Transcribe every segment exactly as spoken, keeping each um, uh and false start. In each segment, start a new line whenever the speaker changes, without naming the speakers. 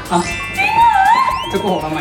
จะโกหกทำไม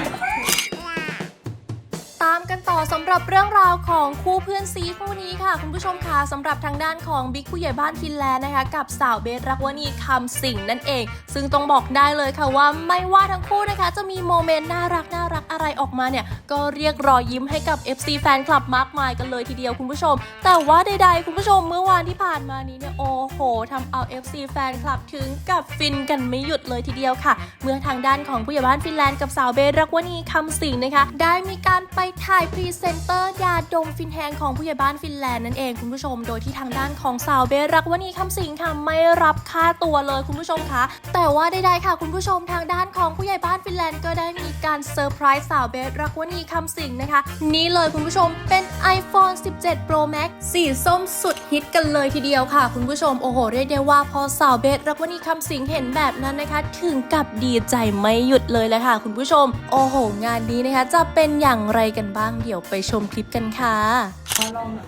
ตามกันต่อสำหรับเรื่องราวของคู่เพื่อนซีคู่นี้ค่ะคุณผู้ชมค่ะสำหรับทางด้านของบิ๊กผู้ใหญ่บ้านฟินแลนด์นะคะกับสาวเบสรักวณีคำสิงนั่นเองซึ่งต้องบอกได้เลยค่ะว่าไม่ว่าทั้งคู่นะคะจะมีโมเมนต์น่ารักน่ารักอะไรออกมาเนี่ยก็เรียกรอยยิ้มให้กับ เอฟ ซี แฟนคลับมากมายกันเลยทีเดียวคุณผู้ชมแต่ว่าใดๆคุณผู้ชมเมื่อวานที่ผ่านมานี้เนี่ยโอ้โหทำเอา เอฟ ซี แฟนคลับถึงกับฟินกันไม่หยุดเลยทีเดียวค่ะเมื่อทางด้านของผู้ใหญ่บ้านฟินแลนด์กับสาวเบสรักวณีคำสิงนะคะได้มีการไปถ่ายพรีเซนเตอร์ยาดมฟินแฮงของผู้ใหญ่บ้านฟินแลนด์นั่นเองคุณผู้ชมโดยที่ทางด้านของสาวเบสรักวณีคำสิงค่ะไม่รับค่าตัวเลยคุณผู้ชมคะแต่ว่าใดๆค่ะคุณผู้ชมทางด้านของผู้ใหญ่บ้านฟินแลนด์ก็ได้มีการเซอร์ไพรส์สาวเบสรักวณีคำสิงนะคะนี่เลยคุณผู้ชมเป็น ไอโฟน สิบเจ็ด โปร แม็กซ์ สีส้มสุดฮิตกันเลยทีเดียวค่ะคุณผู้ชมโอ้โหเรียกได้ว่าพอสาวเบสรักวณีคำสิงเห็นแบบนั้นนะคะถึงกับดีใจไม่หยุดเลยแหละค่ะคุณผู้ชมโอ้โหงานนี้นะคะจะเป็นอย่างไรกันบ้างเดี๋ยวไปชมคลิปกันค่ะลอง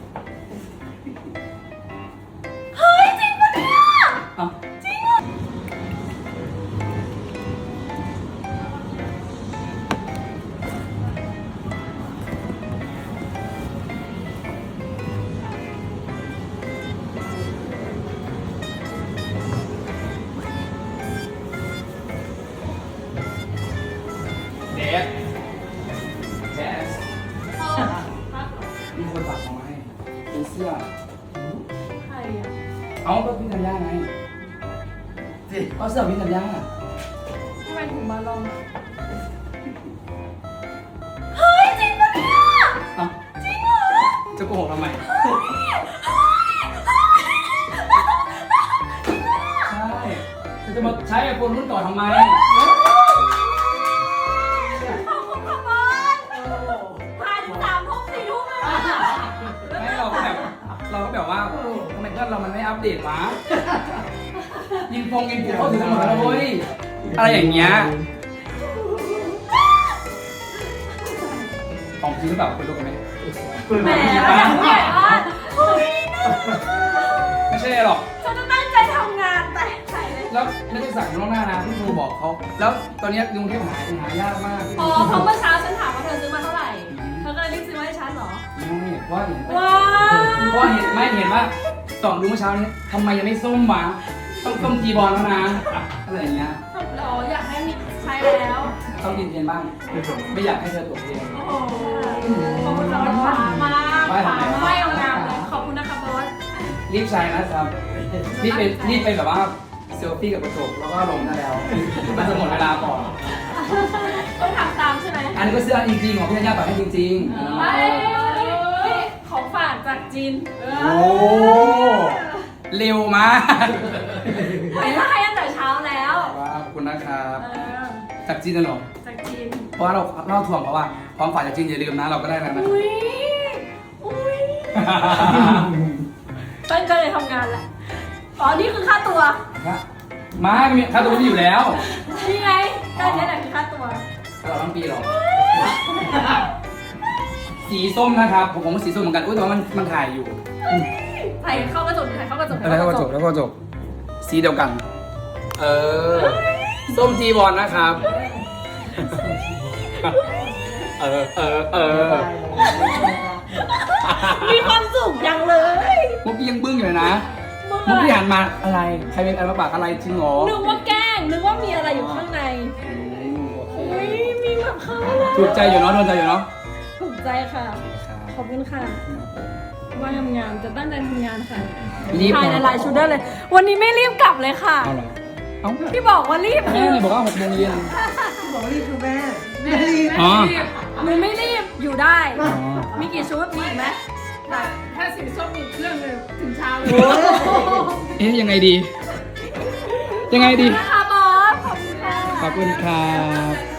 เฮ้ยจริงปะเนี่ยจริงอ่ะ
เดฟเดฟมีคนฝากของมาให้เป็นเสื้อใครอ่ะเอาก็พี่ธัญญาไงเอาเสื้อพี่ธัญญา
ทำไมถึงมาลองเฮ้ยจริงปะเนี่ยจริงเหรอ
จะโกหกทำไมใช่จะมาใช้ไอโฟนรุ่นก่อนทำไมเราก็แบบว่าทำไมเพื่อนเรามันไม่อัปเดตวะยิงพงยิงปุ๊บเขาถึงหมดแล้วเว้ยอะไรอย่างเงี้ยของจริงหรือเปล่าคุณรู้กันไหม
แหมอย่างใหญ่มาก
ไม่ใช่หรอก
ฉันจะตั้งใจทำงานแต่ใส่เลย
แล้วไม่ได้สั่งล่วงหน้านะที่ครูบอกเขาแล้วตอนนี้กรุงเทพหาหายากมาก
อ๋อเพราะเมื่อเช้าฉันถามว่าเธอซื้อมาเท่าไหร่เธอก็เลยรีบซื้อมาให้ฉันเหรอ
ไม่ว่าเห็น
ว้า
เพราะเห็นไม่เห็นว่าส่องดูเมื่อเช้านี้ทำไมยังไม่ส้มวะต้องส้มจีบอลแล้วนะอะไรอย่างเงี้ย
เราอยากให้มีใช้แล้ว
ต้องกินเทียนบ้างไม่อยากให้เธอตกเทียน
โอ้โหขอบคุณสำหรับฝากมาฝากไม่เอางามเลยขอบคุณนะคะบอส
รีบใช้นะครับรีบไปรีบไปแบบว่าเซลฟี่กับกระจกแล้วก็ลงได้แล้วมันจะหมดเวลาก่อน
ต้องทำตามใช่ไหม
อันนี้ก็เสื้อจริงๆของพี่ธัญญาฝากให้จริง
ๆของฝากจากจีน
โอ้เร็วมาก
ไปไล่ตั้งแต่เช้าแล้ว
ว้าวขอบคุณนะครับจากจีนนะหรอ
จากจีน
เพราะว่าเราเล่าถ่วงเพราะว่าความฝันจากจีนอย่าลืมนะเราก็ได้แล้วนะ
อุ้ยอุ้ยตั้งใจเลยทำงานแหละอ๋อนี่คือค่าตัว
มามีค่าตัวที่อยู่แล้ว
นี่ไงได้แค่ไหนคือค่าตัว
ตลอดทั้งปีหรอสีส้มนะครับผมผมสีส้มเหมือนกันอุ้ยแต่ว่ามันมันถ่ายอยู่
ถ่ายเข้ากระจกถ่ายเข้ากระจก
อะไรเข้ากระจกแล้วก็กระจกสีเดียวกันเออส้มจีบอลนะครับเออเออเออ
มีความสุขยังเลย
มุกยังบึ้งอยู่นะมุกที่หันมาอะไรใครเป็นอะไรมาปากอะไรจริงหรอ
นึกว่าแกล้งนึกว่ามีอะไรอยู่ข้างในอุ้ยมีแบบข้างใน
ถูกใจอยู่เนาะโดนใจอยู่เนาะ
ถูกใจค่ะขอบคุณค่ะว่าทำงานจะตั้งใจทำงานค่ะถ่ายหลายชุดได้เลยวันนี้ไม่รีบกลับเลยค่ะพี่บอกว่ารีบ
แม่บอกว่าหกโมงเย็น
พี่บอกว่ารีบคือแม่
แม่รีบหนูไม่รีบอยู่ได้มีกี่ชุดมีอีกไหมถ้าสีส้มอีกเครื่องเลยถึงเช้าเลย
เอ๊ะยังไงดียังไงดี
ค่ะบอสขอบคุณค่ะ
ขอบคุณครับ